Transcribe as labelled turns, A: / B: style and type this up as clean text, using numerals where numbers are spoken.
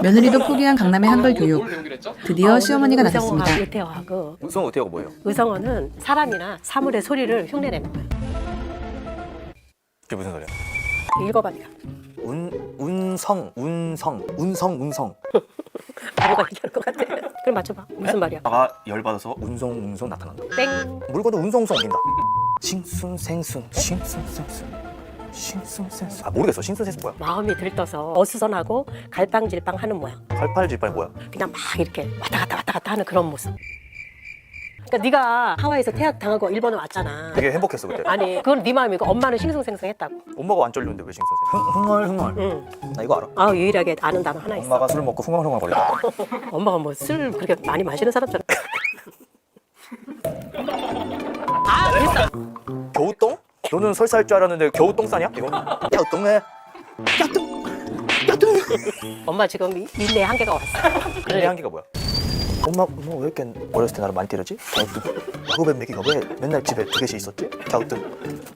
A: 며느리도 포기한 강남의 한글 교육. 드디어 시어머니가 나섰습니다.
B: 의성어하고 의태어하고.
C: 의성어 의태어가 뭐예요?
B: 의성어는 사람이나 사물의 소리를 흉내내는 거야.
C: 그게 무슨 소리야?
B: 읽어봐 니가.
C: 운성
B: 바보가 얘기할 것 같아. 그럼 맞춰봐. 무슨 말이야?
C: 나가 열받아서 운송 나타난다.
B: 땡.
C: 물건도 운송송 옮긴다. 싱순생순 아 모르겠어. 싱순생순 뭐야?
B: 마음이 들떠서 어수선하고 갈팡질팡하는 모양.
C: 갈팔질팔 뭐야?
B: 그냥 막 이렇게 왔다 갔다 하는 그런 모습. 그러니까 네가 하와이에서 태학 당하고 일본에 왔잖아.
C: 되게 행복했어 그때.
B: 아니 그건 네 마음이고 엄마는 싱숭생숭했다고.
C: 엄마가 안 쫄렸는데 왜 싱순생순? 흥얼
B: 응.
C: 나 이거 알아.
B: 아 유일하게 아는 단어 하나 있어.
C: 엄마가 술 먹고 흥얼흥얼 거렸다.
B: 엄마가 뭐 술 그렇게 많이 마시는 사람처럼. 아 됐어.
C: 겨우똥? 너는 설사할 줄 알았는데 겨우똥 싸냐? 이거? 겨우똥해. 겨우똥.
B: 엄마 지금 민내 한계가 왔어.
C: 내 한계가 뭐야? 엄마 너 왜 이렇게 어렸을 때 나를 많이 때렸지? 겨우뚱. 야구뱀 먹이가 왜 맨날 집에 두 개씩 있었지? 겨우뚱.